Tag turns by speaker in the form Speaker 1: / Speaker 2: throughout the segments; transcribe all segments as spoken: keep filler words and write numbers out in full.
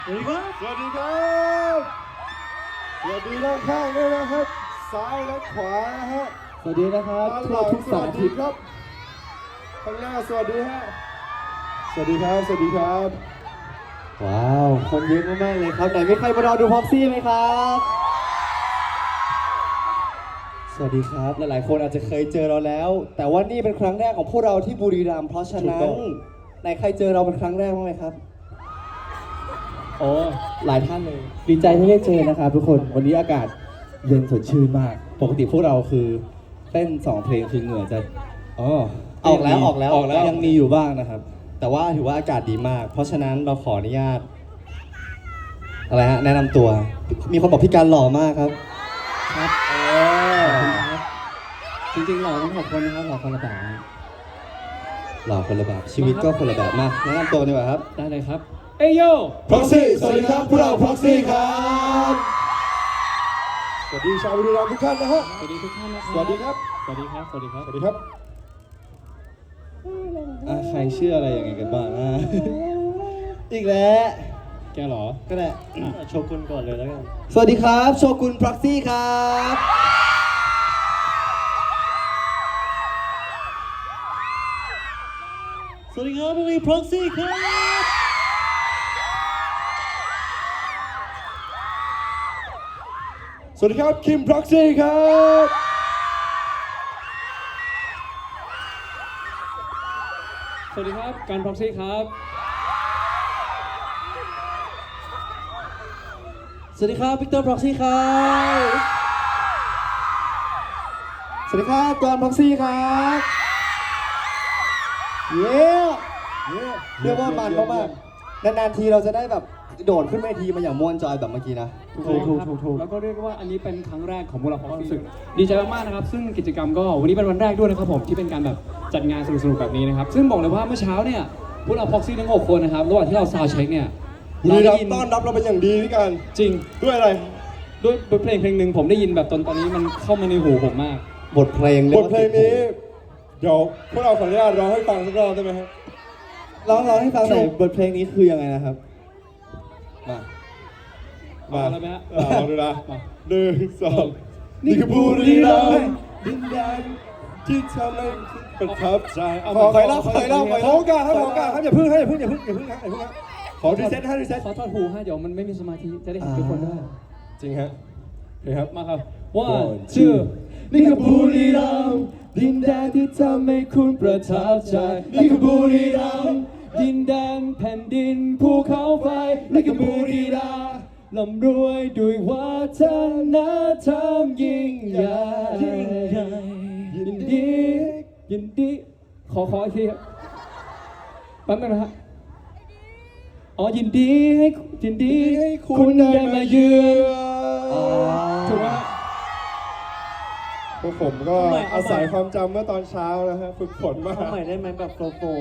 Speaker 1: สวัสดีครับ
Speaker 2: สวัสดีครับสวัสดีด้านข้างด้วยนะครับซ้ายและขวานะฮะ
Speaker 1: สวัสดีนะครับ
Speaker 2: ด้านห
Speaker 1: ทั่ว
Speaker 2: ลัง
Speaker 1: ทุก
Speaker 2: ส
Speaker 1: สา
Speaker 2: วัส
Speaker 1: ธิ
Speaker 2: ดี
Speaker 1: ต
Speaker 2: ครับข้างหน้าสวัสดีฮะสวัสดีครับสวัสดีครับ
Speaker 1: ว้าว คนเยอะมากๆเลยครับไหนมีใครมารอดูพ็อกซี่ไหมครับ สวัสดีครับ หลายๆคนอาจจะเคยเจอเราแล้ว แต่ว่านี่เป็นครั้งแรกของพวกเราที่บุรีรัมย์เพราะฉะนั้นไหนใครเจอเราเป็นครั้งแรกบ้างไหมครับโอ้หลายท่านเลย ดีใจที่ได้เจอนะครับทุกคนวันนี้อากาศเย็นสดชื่นมาก ปกติพวกเราคือเต้นสองเพลงคือเหงื่อจะอ๋อออกแล้วออกแล้วออกแล้วยังมีอยู่บ้างนะครับ แต่ว่าถือว่าอากาศดีมาก เพราะฉะนั้นเราขออนุญาตอะไรฮะแนะนำตัว มีคนบอกพี่การหล่อมากครับครับเออจริงๆหล่อทั้งหกคนนะครับหล่อคนละแบบหล่อคนละแบบชีวิตก็คนละแบบมาแนะนำตัวดีกว่าครับได้เลยครับเอยโย
Speaker 2: Proxy สวัสดีครับพวกเรา Proxy ครับสวัสดีชาวบุรีรัมย์ทุกท่านนะฮะ
Speaker 1: สวัสดีทุกท่านนะครับ
Speaker 2: สวัสดีครับ
Speaker 1: สวัสดีครับสวัสดีครับ
Speaker 2: สวัสดีครับ
Speaker 1: อ่ะใครเชื่ออะไรยังไงกันบ้างอ่ะ อีกแล้วแกเหรอก็ได้โชกุนก่อนเลยแล้วกันสวัสดีครับโชกุน Proxy ครับสวัสดีครับบุรี Proxy ครับ
Speaker 2: สวัสดีครับคิม Proxy ครับ
Speaker 3: สวัสดีครับการ Proxy ครับ
Speaker 1: สวัสดีครับวิกเตอร์ Proxy ครับสวัสดีครับกอน Proxy ครับเย้เรียกว่ามันมากๆนานๆทีเราจะได้แบบโดดขึ้นเวทีมาอย่างม่วนจอยแบบเมื่อกี้นะ
Speaker 3: ถูกถูกถูกถูกแล้วก็เรียกว่าอันนี้เป็นครั้งแรกของพวกเราความรู้สึกดีใจมากๆนะครับซึ่งกิจกรรมก็วันนี้เป็นวันแรกด้วยนะครับผมที่เป็นการแบบจัดงานสนุกๆแบบนี้นะครับซึ่งบอกเลยว่าเมื่อเช้าเนี่ยพวกเรา Proxy ทั้งหกคนนะครับระหว่างที่เราซาวด์เช็คเนี่ย
Speaker 2: บุรีรัมย์ต้อนรับเราเป็นอย่างดีพี่การ
Speaker 3: จริง
Speaker 2: ด้วยอะไร
Speaker 3: ด้วยบทเพลงเพลงหนึ่งผมได้ยินแบบตอนตอนนี้มันเข้ามาในหูผมมาก
Speaker 1: บทเพลง
Speaker 2: บทเพลงนี้เดี๋ยวพวกเราขออนุญาตร้องให้ฟังสักรอบได้ไหมครับ
Speaker 1: ร้องร้องให้ฟังหน่อยบทเพลงนี้คือยังไงนะครับมา
Speaker 2: มา
Speaker 3: เอาเลยไหมฮะ
Speaker 2: อ่าลองดูนะ
Speaker 3: มา
Speaker 2: หนึ่งสองนี่คือบุรีรัมย์ดินแดนที่ทำให้ประทับใจ
Speaker 3: เอา
Speaker 2: ขอ
Speaker 3: ข
Speaker 2: ข
Speaker 3: อ
Speaker 2: อ
Speaker 3: ร
Speaker 2: ร
Speaker 3: อ
Speaker 2: อ
Speaker 3: บบ ข
Speaker 2: ข
Speaker 3: อ
Speaker 2: อ
Speaker 3: ร
Speaker 2: ร
Speaker 3: อ
Speaker 2: อ
Speaker 3: บบ ข
Speaker 2: ข
Speaker 3: อ
Speaker 2: อ
Speaker 3: รอบ
Speaker 2: โอกาสครับขอโอกาสครับอย่าพึ่งให้อย่าพึ่งอย่าพึ่งอย่าพึ่งอย่าพึ่งครับขอรีเซ็ตให้รีเซ็ต
Speaker 3: ขอถอดหูฮะเดี๋ยวมันไม่มีสมาธิจะได้เห็นทุกคนด้วย
Speaker 2: จริงฮะโอเคครับ
Speaker 3: มาครับ one two นี่คือบุรีรัมย์ดินแดนที่ทำให้คุณประทับใจนี่คือบุรีรัมย์ดินแดนแผ่นดินภูเขาไฟนี่คือบุรีรัมย์ลำรวยด้วยวัฒนธรรมยิ่งใหญ่ยินดียินดีขอขออีกทีครับแป๊บนึงนะฮะอ๋อยินดีให้ยินดีให้คุณได้มาเยือนถูกไหมฮะ
Speaker 2: พวกผมก็อาศัยความจำเมื่อตอนเช้านะฮะฝึกฝนมา
Speaker 1: ทำใหม่ได้ไหมแบบโฟโฟ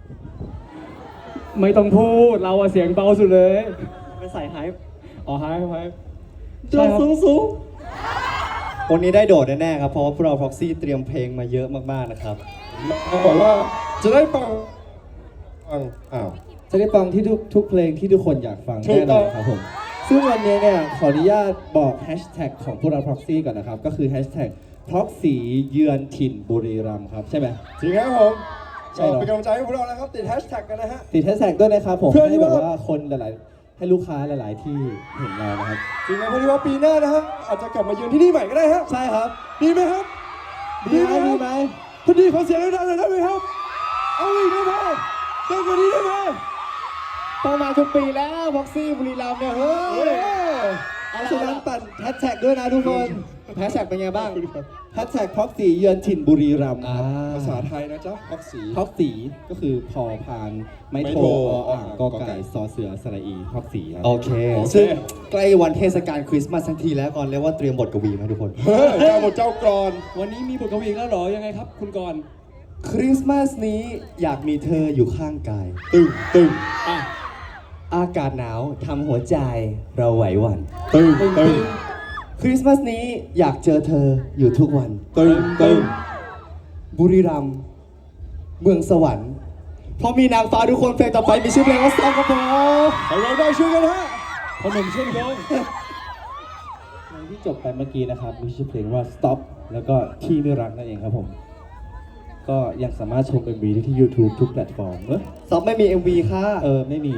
Speaker 3: ไม่ต้องพูดเราอะเสียงเบาสุดเลย
Speaker 1: ไปใส่ไฮป์
Speaker 3: อ๋อไฮไฮ
Speaker 1: โดดสูงสูงวันนี้ได้โดดแน่ๆครับเพราะว่าพวกเรา Proxy เตรียมเพลงมาเยอะมากๆนะครับ
Speaker 2: เขาบอกว่าจะได้ฟังฟังอ้าว
Speaker 1: จะได้ฟังที่ทุกทุกเพลงที่ทุกคนอยากฟัง
Speaker 2: ถูก
Speaker 1: แน่น
Speaker 2: ต้
Speaker 1: อ
Speaker 2: อน ง
Speaker 1: ครับผมซึ่งวันนี้เนี่ยขออนุญาตบอกแฮชแท็กของพวกเรา Proxy ก่อนนะครับ ก็คือแฮชแท็ก Proxy เยือนถิ่นบุรีรัมย์ครับใช่ไหม
Speaker 2: จริงครับผม
Speaker 1: ใช่เหรอ
Speaker 2: เป็นกำลังใจให้พวกเรานะครับติดแฮชแท็กกันนะฮะ
Speaker 1: ติดแฮชแท็กด้วยนะครับผม
Speaker 2: เพื่อที่
Speaker 1: ให้แบบ
Speaker 2: ว่า
Speaker 1: ว่าคนหลายๆ ให้ลูกค้าหลายๆ ที่เห็นเรานะครับ
Speaker 2: จริงนะเพราะที่ว่าปีหน้านะฮะอาจจะกลับมาเยือนที่นี่ใหม่ก็ได้ฮะ
Speaker 1: ใช่ครับ
Speaker 2: ดีไหมครับ
Speaker 1: ดีไหมดีไหม
Speaker 2: ถ้าดีขอเสียงดังๆหน่อยได้ไหมครับเอาอีกได้ไหมได้กว่านี้ได้ไหม
Speaker 1: ต้องมาทุกปีแล้ว Proxy บุรีรัมย์เนี่ยเฮ้
Speaker 2: เฮ้
Speaker 1: ย
Speaker 2: ย
Speaker 1: ฉะนั้นปั่นแฮชแท็กด้วยนะทุกคนแฮชแท็กเป็นไงบ้างแฮชแท็ก Proxy เยือนถิ่นบุรีรัมย์ครับ
Speaker 2: ภาษาไทยนะจ๊ะพักสี
Speaker 1: พ็อกสีก็คือพอพานไม้
Speaker 2: ไม้
Speaker 1: โท
Speaker 2: โท
Speaker 1: ออ่างกอ
Speaker 2: กอไก่
Speaker 1: ไก่ซอเสือสระอีพ็อกสีครับ
Speaker 4: โอเค
Speaker 2: โอเค
Speaker 4: ซึ่งใกล้วันเทศกาลคริสต์มาสทั้งทีแล้วก่อนเรียกว่าเตรียมบทกวีมาให้ทุกคน
Speaker 2: เฮ้ยเจ้าบทเจ้ากรอน
Speaker 3: วันนี้มีบทกวีอีกแล้วเหรอยังไงครับ คุณกรณ์
Speaker 4: คริสต์มาสนี้อยากมีเธออยู่ข้างกาย
Speaker 2: ตึงตึง
Speaker 3: อ่ะ
Speaker 4: อากาศหนาวทำหัวใจเราไหวหวั่น
Speaker 2: ตึงตึง
Speaker 4: คริสต์มาสนี้อยากเจอเธออยู่ทุกวัน
Speaker 2: ตึงตึง
Speaker 4: บุรีรัมย์เมืองสวรรค์เพราะมีนางฟ้าทุกคนเพลงต่อไปมีชื่อเพลงว่าซองกระโปรง
Speaker 2: ให้เราได้ช่วยกันฮะ
Speaker 3: ขนมเชื่อมโยง
Speaker 2: เพลงที่จบไปเมื่อกี้นะครับมีชื่อเพลงว่า Stop แล้วก็ที่ไม่รักนั่นเองครับผม ก็ยังสามารถชม เอ็ม วี ได้ที่ YouTube ทุกแพลตฟอร์มเออ
Speaker 1: ซอฟไม่มี เอ็ม วี ค่ะ
Speaker 2: เออไม่มี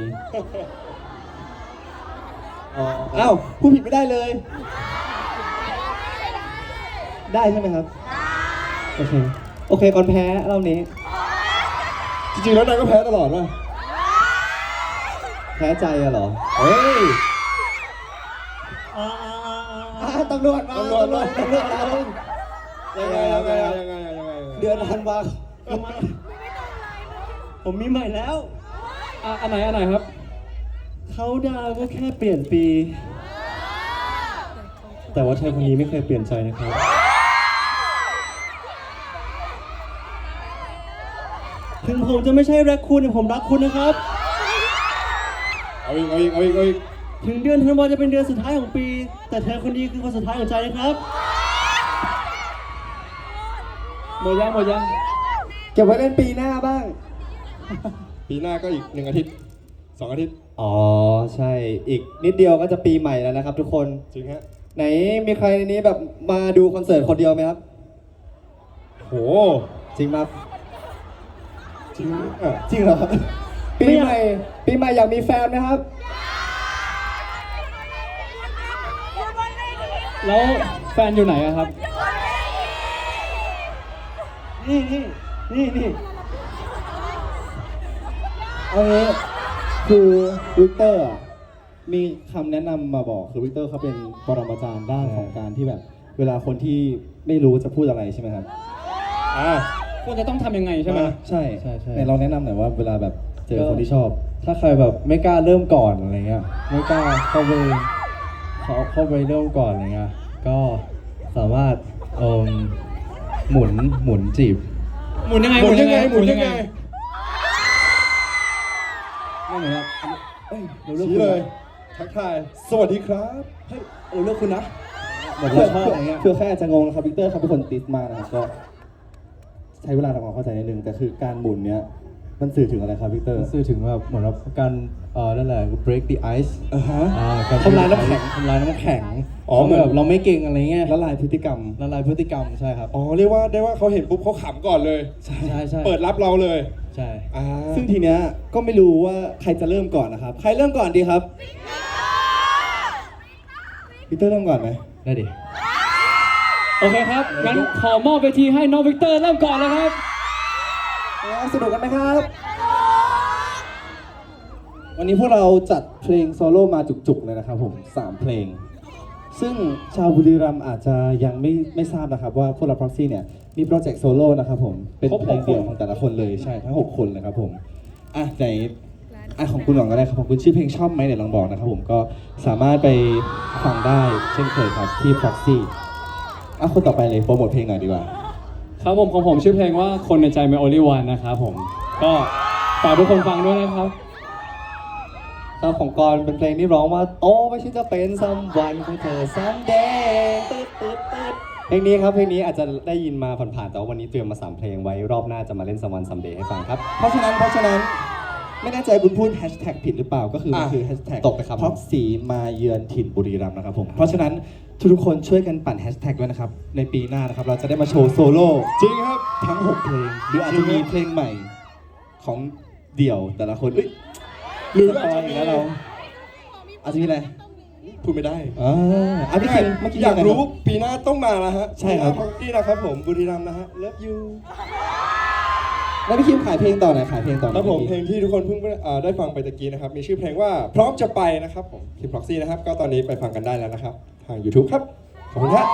Speaker 1: อ้าวพูดผิดไม่ได้เลย ได้ใช่ไหมครับ โอเค โอเคก่อนแพ้รอบนี้
Speaker 2: จริงๆแล้วนายก็แพ้ตลอดว่ะ
Speaker 1: แพ้ใจอะเหรอ
Speaker 2: เฮ้ย
Speaker 1: อ่าตำรวจมา
Speaker 2: ตำรวจมา
Speaker 1: ตำรวจมา
Speaker 2: ยังไงยังไงยังไงยังไง
Speaker 1: เดือนธันวาคมผมมีใหม่แล้ว
Speaker 3: อ่ะอันไหนอันไหนครับ
Speaker 1: เขาดาวก็แค่เปลี่ยนปี แต่ว่าเธอคนนี้ไม่เคยเปลี่ยนใจนะครับ ถึงผมจะไม่ใช่รักคุณแต่ผมรักคุณนะครับ
Speaker 2: เอาอีกเอาอีกเอาอีกเอาอีก
Speaker 1: ถึงเดือนธันวาจะเป็นเดือนสุดท้ายของปี แต่เธอคนนี้คือคนสุดท้ายของใจนะครับ
Speaker 3: หมดยังหมดยัง
Speaker 1: เก็บไว้เล่นปีหน้าบ้าง
Speaker 2: ปีหน้าก็อีกหนึ่งอาทิตย์สองอาทิตย์
Speaker 1: อ๋อใช่ อีกนิดเดียวก็จะปีใหม่แล้วนะครับทุกคน
Speaker 2: จริงฮะ
Speaker 1: ไหนมีใครในนี้แบบมาดูคอนเสิร์ตคนเดียวไหมครับ
Speaker 2: โห
Speaker 1: จริงไหม
Speaker 2: จริงอ่ะ
Speaker 1: จริงเหรอ ปีใหม่ ปีใหม่อยากมีแฟนไหมครับ
Speaker 3: แล้วแฟนอยู่ไหนอะครับ
Speaker 1: นี่นี่นี่นี่เอางี้คือวิกเตอร์อะมีคำแนะนำมาบอกคือวิกเตอร์เขาเป็นปรมาจารย์ด้านของการที่แบบ เวลาคนที่ไม่รู้จะพูดอะไรใช่ไหมครับ
Speaker 2: อ่ะ
Speaker 3: ควรจะต้องทำยังไงใช่ไหม
Speaker 1: ใช่
Speaker 2: ใช่ใช่
Speaker 1: ไหนลองแนะนำหน่อยว่าเวลาแบบเจอคนที่ชอบ
Speaker 5: ถ้าใครแบบไม่กล้าเริ่มก่อนอะไรเงี้ยไม่กล้าเข้าไปเขาเข้าไปเริ่มก่อนอะไรเงี้ยก็สามารถเอ่มหมุนหมุนจีบ
Speaker 3: หมุนยังไง
Speaker 2: หมุนยังไงหมุนยังไง
Speaker 3: ไม่เหมือนครับ
Speaker 1: เอ้ยเราเลือก
Speaker 2: ชี้
Speaker 1: คุณ
Speaker 2: เลย
Speaker 1: นะ
Speaker 2: ทักทาย สวัสดีครับ
Speaker 1: เฮ้ยเราเลือกคุณนะ
Speaker 5: แบบเราชอบอะไรเงี้ย
Speaker 1: เพื่อแค่อาจจะงงนะครับวิกเตอร์เขาเป็นคนติดมากนะครับก็ใช้เวลาทำความเข้าใจนิดนึงแต่คือการหมุนเนี้ยมันสื่อถึงอะไรครับวิกเตอร์
Speaker 5: สื่อถึงแบบเหมือนแบบการเอ่อนั่นแหละ break the ice
Speaker 1: อ่าฮะ
Speaker 5: อ่าการ
Speaker 1: ทำลายน้ำแข็ง
Speaker 5: ทำลายน้ำแข็ง
Speaker 2: อ๋อเหมือน
Speaker 5: แบบเราไม่เก่งอะไรเงี้ย
Speaker 1: ละลายพฤติกรรม
Speaker 5: ละลายพฤติกรรมใช่ครับ
Speaker 2: อ๋อเรียกว่าได้ว่าเขาเห็นปุ๊บเขาขำก่อนเลย
Speaker 5: ใช่ใช่
Speaker 2: เปิดรับเราเลย
Speaker 5: ใช่
Speaker 2: อ่า
Speaker 1: ซึ่งทีเนี้ยก็ไม่รู้ว่าใครจะเริ่มก่อนนะครับ ใครเริ่มก่อนดีครับวิกเตอร์เริ่มก่อนไหม
Speaker 5: ได้ดิ
Speaker 3: โอเคครับ งั้นขอมอบเวทีให้น้องวิกเตอร์เริ่มก่อนเลยครับ
Speaker 1: สนุกกันไหมครับ วันนี้พวกเราจัดเพลงโซโล่มาจุกๆเลยนะครับผมสามเพลง ซึ่งชาวบุรีรัมย์อาจจะยังไม่ไม่ทราบนะครับว่าพวกเรา Proxy เนี่ยมีโปรเจกต์โซโล่นะครับผมเป็น
Speaker 3: ครบ
Speaker 1: เพลงเดี่ยว
Speaker 3: หกคน
Speaker 1: ของแต่ละคนเลยใช่ทั้งหกคนเลยครับผมอ่ะไหนอ่ะของคุณหวังก็ได้ครับของคุณชื่อเพลงชอบไหมเดี๋ยวลองบอกนะครับผมก็สามารถไปฟังได้เช่นเคยครับที่ Proxy อ่ะคนต่อไปเลยโปรโมทเพลงหน่อยดีกว่า
Speaker 3: ครับผมของผมชื่อเพลงว่าคนในใจไม่ only one นะครับผม ก็ฝากทุกคนฟังด้วยนะครับ
Speaker 1: ครับของกรเป็นเพลงที่ร้องว่าโตไม่ใช่จะเป็นซัมวันของเธอซัมเดย์ตึ๊ดตึ๊ดตึ๊ดเพลงนี้ครับเพลงนี้อาจจะได้ยินมาผ่านๆแต่ว่าวันนี้เตรียมมาสามเพลงไว้รอบหน้าจะมาเล่นซัมวันซัมเดย์ให้ฟังครับเพราะฉะนั้นเพราะฉะนั้นไม่แน่ใจคุณพูดแฮชแท็กผิดหรือเปล่าก็คือมันคือแฮชแท็ก
Speaker 5: ตกไปครับ
Speaker 1: ท็อปสีมาเยือนถิ่นบุรีรัมย์นะครับผมเพราะฉะนั้นทุกๆคนช่วยกันปั่นแฮชแท็กด้วยนะครับในปีหน้านะครับเราจะได้มาโชว์โซโล่
Speaker 2: จริงครับ
Speaker 1: ทั้งหกเพลงหรืออาจจะมีเพลงใหม่ของเดี่ยวแต่ละคนเอ้ยลืมไปอีกแล้วเรา อาจจะมีอะไร
Speaker 2: พูดไม่ได้
Speaker 1: อ่าอ่ะพี่คิงเมื่อกี้
Speaker 2: อยากรู้
Speaker 1: งไงคบ
Speaker 2: ปีหน้าต้องมาแล้วฮะ
Speaker 1: ใช่ครับ
Speaker 2: นี่นะครับผมบุรีรัมย์นะฮะ Love you
Speaker 1: แล้วพี่คิมขายเพลงต่อไหนอยขายเพลงต่อห
Speaker 2: ค
Speaker 1: น่
Speaker 2: รั
Speaker 1: อบ ย
Speaker 2: ผม
Speaker 1: พี่
Speaker 2: เพลงที่ทุกคนเพิ่งเอ่อได้ฟังไปตะกี้นะครับ มีชื่อเพลงว่าพร้อมจะไปนะครับผมที่ Proxy นะครับ ก็ตอนนี้ไปฟังกันได้แล้วนะครับ ทาง YouTube ครับ ขอบคุณครับ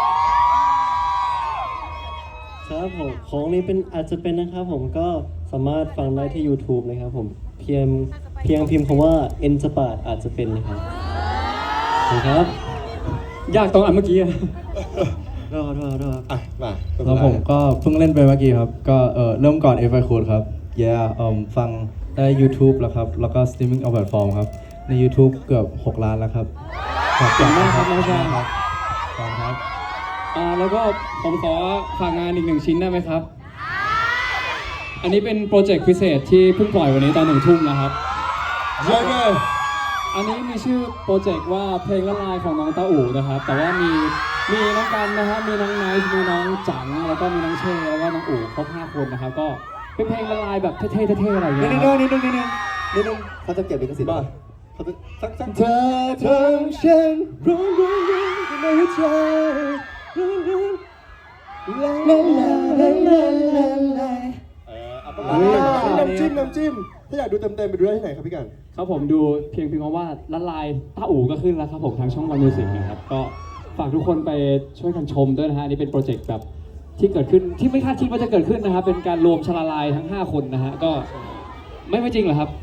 Speaker 6: ครับผมของนี้เป็นอาจจะเป็นนะครับผมก็สามารถฟังได้ที่ YouTube นะครับผมเพียงเพียงพิมพ์คำว่าเอ็นจะปาดอาจจะเป็นนะครับขอบคุณครับ
Speaker 3: ยากตรงอันเมื่อกี้อะ
Speaker 6: รอรอรอ
Speaker 2: อ่ะ มา
Speaker 5: แล้วผมก็เพิ่งเล่นไปเมื่อกี้ครับ ก็เออเริ่มก่อน If I Could ครับ yeah เอ่อฟังได้ YouTube แล้วครับ แล้วก็ streaming เอาแพลตฟอร์มครับ ใน YouTube เกือบหกล้านแล้วครับขอบคุณมากครับน้องชายครับขอบคุณครับ
Speaker 3: อ่าแล้วก็ผมขอฝากงานอีกหนึ่งชิ้นได้ไหมครับ อันนี้เป็นโปรเจกต์พิเศษที่เพิ่งปล่อยวันนี้ตอนหนึ่งทุ่มนะครับ
Speaker 2: ยังไง
Speaker 3: อันนี้มีชื่อโปรเจกต์ว่าเพลงละลายของน้องตาอู่นะครับ แต่ว่ามีมีน้องกันนะฮะมีน้องไนท์มีน้องจังแล้วก็มีน้องเชแล้วก็น้องอู่ครบห้าคนนะครับก็เป็นเพลงละลายแบบเท่ๆเท่ๆอะไรอย่าง
Speaker 1: นิ
Speaker 3: เงี้
Speaker 1: ด
Speaker 3: ย
Speaker 1: นึง
Speaker 3: ครับ
Speaker 1: นิดนึงนิดนึงนิดนึงเขาจะเก็บลิขสิทธิ์ป่ะ
Speaker 4: เขาจะสักสัก
Speaker 1: เธอทำฉันร้องร้องร้องในหัวใจร้องร้องลาลาลาลาลาลา
Speaker 4: เออเอาประมาณนี้น้ำจิ้มน้ำจิ้มถ้าอยากดูเต็มๆไปดูได้ที่ไหนครับพี่กัน
Speaker 3: ครับผมดูเพียงเพียงเพราะว่าละลายตาอู่ก็ขึ้นแล้วครับผมทางช่องวันมิวสิกนะครับก็ฝากทุกคนไปช่วยกันชมด้วยนะฮะอันนี่เป็นโปรเจกต์แบบที่เกิดขึ้นที่ไม่คาดคิดว่าจะเกิดขึ้นนะครับเป็นการรวมชลาลายทั้งห้าคนนะฮะก็ไม่ไม่จริงเหรอครับ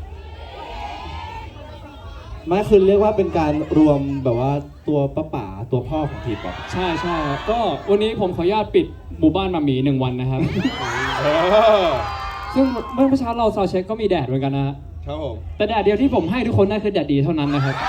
Speaker 2: ไม่คือเรียกว่าเป็นการรวมแบบว่าตัวป้าป๋าตัวพ่อของทีป๊อป
Speaker 3: ใช่ใช่ครับก็วันนี้ผมขออนุญาตปิดหมู่บ้านมาหมีหนึ่งวันนะครับ ซึ่งเมื่อเช้าเราซาวเช็คก็มีแดดเหมือนกันนะฮะ
Speaker 4: ครับผม
Speaker 3: แต่แดดเดียวที่ผมให้ทุกคนนั่นคือแดดดีเท่านั้นนะครับ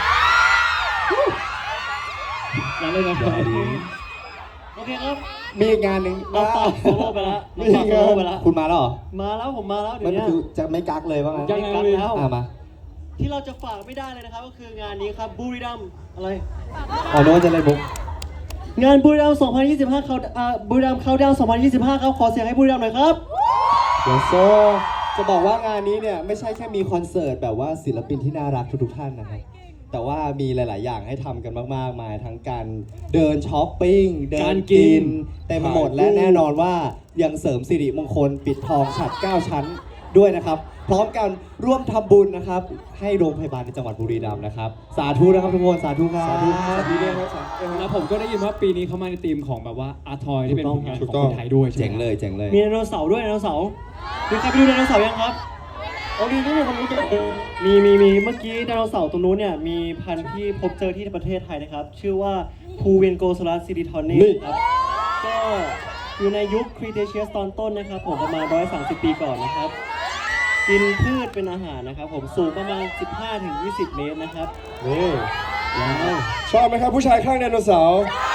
Speaker 3: นั่นเลยนะครับ
Speaker 6: โอเคครับ
Speaker 1: มีอีกงานหนึ่ง
Speaker 6: เราต่อโซโล่ไปแล้วเรา
Speaker 1: มี
Speaker 6: ต่อ
Speaker 1: อีก
Speaker 6: โซ
Speaker 1: งา
Speaker 6: โล่
Speaker 1: น
Speaker 6: ไปแล้ว
Speaker 1: คุณมาแล้วเหรอ
Speaker 6: มาแล้วผมมาแล้วเดี๋
Speaker 1: มั
Speaker 6: ยวน เนี้ย
Speaker 1: คือจะไม่กักเลยว่างั้น
Speaker 3: ยังไง
Speaker 6: กักแล้ว
Speaker 1: อ่ะมา
Speaker 6: ที่เราจะฝากไม่ได้เลยนะครับก็คืองานนี้ครับบุรีรัมย์อะไร
Speaker 1: อ๋อนึกว่าจะเล่นบุ๊ก
Speaker 6: งานบุรีรัมย์สองพันยี่สิบห้าเขาอ่าบุรีรัมย์เขาดาวน์สองพันยี่สิบห้าครับขอเสียงให้บุรีรัมย์หน่อยครับ
Speaker 1: เดี๋ยวโซจะบอกว่างานนี้เนี่ยไม่ใช่แค่มีคอนเสิร์ตแบบว่าศิลปินที่น่ารักทุกๆท่านนะครับแต่ว่ามีหลาย ๆ อย่างให้ทำกันมากๆมายทั้งการเดินช้อปปิ้งเดิ
Speaker 3: กาน รกิ
Speaker 1: กิน
Speaker 3: น
Speaker 1: เต็มไปหมดและแน่นอนว่ายังเสริมสิริมงคลปิดทองฉัดเก้าชั้นด้วยนะครับ พร้อมกันร่วมทำบุญนะครับ ให้โรงพยาบาลในจังหวัดบุรีรัมย์นะครับ สาธุนะครับทุกคนสาธุครับ
Speaker 4: สาธุสาธุด้วยครับสาธุด้วยค
Speaker 3: แล้
Speaker 4: รับ
Speaker 3: วผมก็ได้ยินว่าปีนี้เขามาในธีมของแบบว่าอาร์ทอยที่เป็นผลงาน
Speaker 4: ถู
Speaker 3: ข
Speaker 4: ก
Speaker 3: อง
Speaker 4: ต้อง
Speaker 3: คนไทยด้วยใช่ไหม
Speaker 1: เจ๋งเลยเจ๋งเลย
Speaker 6: มีไดโนเสาร์ด้วยไดโนเสาร์มีใครไปดูไดโนเสาร์ยังครับ
Speaker 4: เอาดีนี่มีคนรู้จักเออ
Speaker 6: มีมีมีเมื่อกี้ไดโนเสาร์ตรงนู้นเนี่ยมีพันธุ์ที่พบเจอที่ประเทศไทยนะครับ ชื่อว่าพูเวนโกซ a ลัสซิลิทอนเนครับก็อยู่ในยุคครีเทเชียสตอนต้นนะครับผมประมาณหนึ่งร้อยสามสิบปีก่อนนะครับ กินพืชเป็นอาหารนะครับผมสูงประมาณ สิบห้าถึงยี่สิบ เมตรนะครับ
Speaker 4: นี่
Speaker 6: ว้าว
Speaker 4: ชอบไหมครับผู้ชายข้างไดโนเสาร์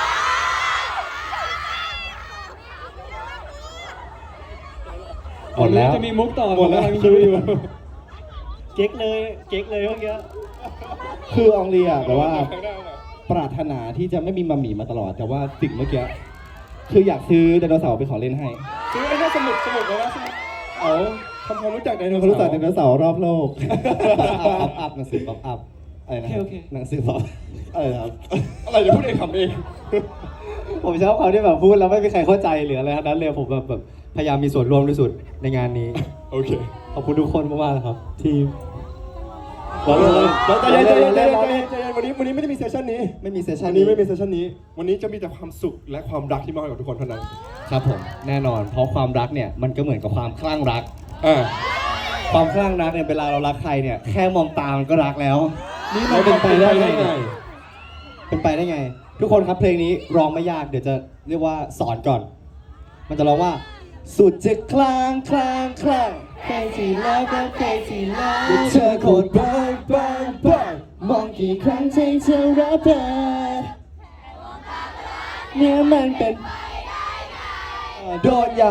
Speaker 1: หมดแล้ว
Speaker 3: จะมีมุกต่อ
Speaker 4: หมดแล้ว
Speaker 3: ผกำงคิดอยู่
Speaker 6: เก๊กเลยเก๊กเลยเมื่อกี้
Speaker 2: คืออองเรียแบบว่าปรารถนาที่จะไม่มีมัมหมี่มาตลอด แต่ว่าสิ่งเมื่อกี้คืออยากซื้อไดโนเสาร์เป็นของเล่นให้
Speaker 4: ซื้อไอ้น่าสนุกสนุกเลยนะสนุกเอาทำความรู้จักไดโน
Speaker 2: เขา
Speaker 4: เสาร์
Speaker 2: รู้จักไดโนเสาร์รอบโลก
Speaker 1: ป๊อปอัพหนังสือป๊อปอัพอะไรนะ
Speaker 6: โอเคโอเค
Speaker 1: หนังสือป๊อปอะไรครับ
Speaker 4: อะไรจะพูดเองทำเอง
Speaker 1: ผมชอบเขาที่แบบพูดแล้วไม่มีใครเข้าใจหรืออะไรทั้งนั้นเลยผมแบบแบบพยายามมีส่วนร่วมที่สุดในงานนี้
Speaker 4: โอเค
Speaker 1: ขอบคุณทุกคนมากๆนะครับที่
Speaker 4: เราเลยเราใจเย็นใจเย็นใจ
Speaker 1: เล่
Speaker 4: เย็น
Speaker 1: น
Speaker 4: ใจเย็นใจเย็นวันนี้วันนี้ไม่ได้มีเซสชันนี้
Speaker 1: ไม่มีเซสชั
Speaker 4: วัน นนี้ไม่มีเซสชันนี้ วันนี้จะมีแต่ความสุขและความรักที่มอบให้กับทุกคนเท่านั้น
Speaker 1: ครับผมแน่นอน เพราะความรักเนี่ยมันก็เหมือนกับความคลั่งรัก
Speaker 4: อ่า
Speaker 1: ความคลั่งรักเนี่ยเวลาเรารักใครเนี่ยแค่มองตามันก็รักแล้ว
Speaker 4: นี่มันเป็นไปได้ไง
Speaker 1: เป็นไปได้ไง ทุกคนครับเพลงนี้ร้องไม่ยากเดี๋ยวจะเรียกว่าสอนก่อน มันจะร้องว่า สุดจะคลางคลางคลาง crazy love ก็ crazy love เธอโคตรบ้าบ้าบ้ามองกี่ครั้งใจเธอรับได้เนี่ยมันเป็นโดนยัง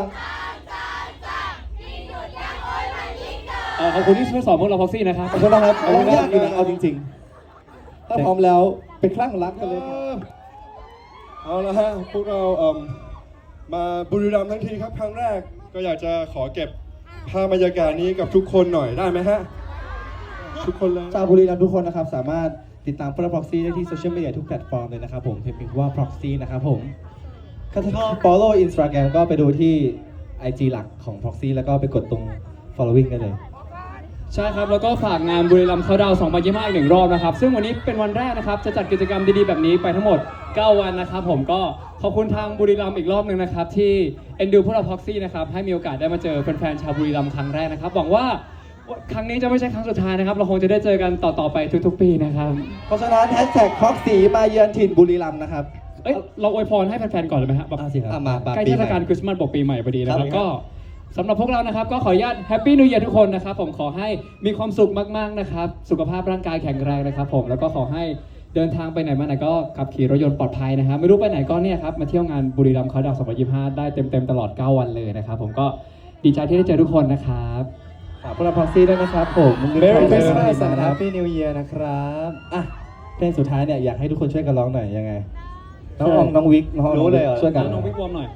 Speaker 3: เอ่อขอบคุณที่ช่วยสอนพวกเราพ็อกซี่นะครับ
Speaker 1: ขอบคุณนะครับขอบคุณ
Speaker 2: ยา
Speaker 1: มาก
Speaker 2: กอยู่นะเอาจริงๆ ถ้าพร้อมแล้วเป็นคลั่งรักกันเลยครับ
Speaker 4: เอาละฮะพวกเราเอ่มมาบุรีรัมย์ทั้งทีครับครั้งแรกก็อยากจะขอเก็บภาพบรรยากาศนี้กับทุกคนหน่อยได้ไหมฮะ ทุกคนเลย
Speaker 2: ชาวบุรีรัมย์ทุกคนนะครับ สามารถติดตามพวกเรา Proxy ได้ที่โซเชียลมีเดียทุกแพลตฟอร์มเลยนะครับผมเพียงว่า Proxy นะครับผมถ้าชอบ follow Instagram ก็ไปดูที่ ไอ จี หลักของ Proxy แล้วก็ไปกดตรง following ได้เลย
Speaker 3: ใช่ครับ แล้วก็ฝากงานบุรีรัมย์เขาดาวน์สองพันยี่สิบห้าอีกหนึ่งรอบนะครับ ซึ่งวันนี้เป็นวันแรกนะครับ จะจัดกิจกรรมดีๆแบบนี้ไปทั้งหมด เก้า วันนะครับ ผมก็ขอบคุณทางบุรีรัมย์อีกรอบหนึ่งนะครับ ที่เอ็นดูพวกเราพ็อกซี่นะครับ ให้มีโอกาสได้มาเจอแฟนๆชาวบุรีรัมย์ครั้งแรกนะครับ หวังว่าครั้งนี้จะไม่ใช่ครั้งสุดท้ายนะครับ เราคงจะได้เจอกันต่อๆไปทุกๆ ปีนะครับ
Speaker 2: เพราะฉะนั้นแฮชแท็ก Proxy มาเยือนถิ่นบุรีรัมย์นะครับ
Speaker 3: เอ้ยเราอวยพรให้แฟนๆก่อนเลยไหมครับแบบ
Speaker 2: อ่ะสิครับ
Speaker 1: อ่ะมาปา
Speaker 3: ใกล้
Speaker 1: ปี
Speaker 3: เท
Speaker 1: ให
Speaker 3: ศ
Speaker 1: ม่
Speaker 3: กาลคริสต์มาสบอกปีใหม่พอดีนะครับ
Speaker 1: ครับ
Speaker 3: ก็สำหรับพวกเรานะครับก็ขออนุญาตแฮปปี้นิว e ย r ทุกคนนะครับผมขอให้มีความสุขมากๆนะครับสุขภาพร่างกายแข็งแรงนะครับผมแล้วก็ขอให้เดินทางไปไหนมาไหนก็ขับขี่รถยนต์ปลอดภัยนะครับไม่รู้ไปไหนก็เนี่ยครับมาเที่ยวงานบุรีรัมย์เขาดาวน์สองพันยี่สิบห้าได้เต็มๆตลอดเก้าวันเลยนะครับผมก็ดีใจที่ได้เจอทุกคนนะครับ
Speaker 2: ฝากพวกเราพ็อกซี่ด้วยนะครับผม
Speaker 1: Merry Christmas and Happy New Year นะครับ
Speaker 2: อ่ะเพลงสุดท้ายเนี่ยอยากให้ทุกคนช่วยกันร้องหน่อยยังไงน้องอองน้องวิกน้องออง
Speaker 1: รู้เลยเหรอ
Speaker 2: ช่วยกัน
Speaker 3: น้องพี่วอร์มหน่อย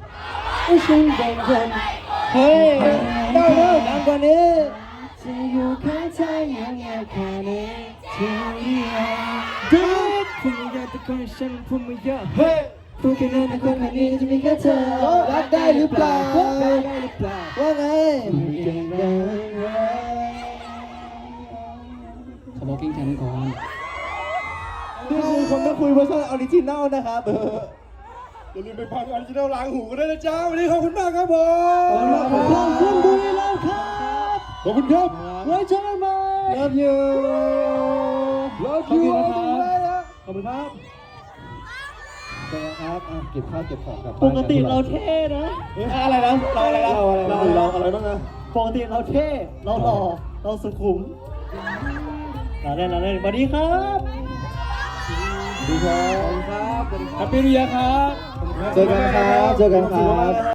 Speaker 1: เฮ้ยได้แล้วดังกว่านี้
Speaker 6: จะอยู่ข้างเธอยังไงแค่นี้ที่ดูคุณไม่อยากตะโกนฉันพูดไม่เยอะ
Speaker 1: เฮ้ย
Speaker 6: พูดแค่นั้นแต่คนแค่นี้จะมีแค่เธอ
Speaker 1: รักได้หรือเปล่า
Speaker 6: ได้หรือเปล่า
Speaker 1: ว่าไง
Speaker 3: สโมกิ้งแทนก่อน
Speaker 1: นี่คือคนมาคุยเวอร์ชันออริจินัลนะครับ
Speaker 4: อย่าลืมไปฟังออริจินัลล้างหูกันด้วยนะจ๊ะวันนี้ขอบคุณมากครับผม
Speaker 1: ขอบคุณบุรีรัมย์ครับ
Speaker 4: ขอบคุณครับ
Speaker 1: ไว้เจอกันใหม่ Love you
Speaker 4: Love
Speaker 3: ขอบ
Speaker 4: you
Speaker 3: คุณนะครับ
Speaker 4: ขอบคุณครับ
Speaker 1: เจอกันครับอ่ะเก็บข้าวเก็บของกลับ
Speaker 6: ป
Speaker 1: บ้าน
Speaker 6: กติเราเท่นะ
Speaker 1: อะไรนะเราอะไรนะเราอะไร
Speaker 4: เรา
Speaker 1: นะ
Speaker 4: เราอะไรบ้างนะ
Speaker 6: ปกติเราเท่ เราหล่อ เราสุขุมเราเล่นเราเล่นสวัสดีครับ
Speaker 1: ดีครับ
Speaker 3: แฮปปี้นิวเยียร์ครับ
Speaker 1: เจอกันครับ เจอกันครับ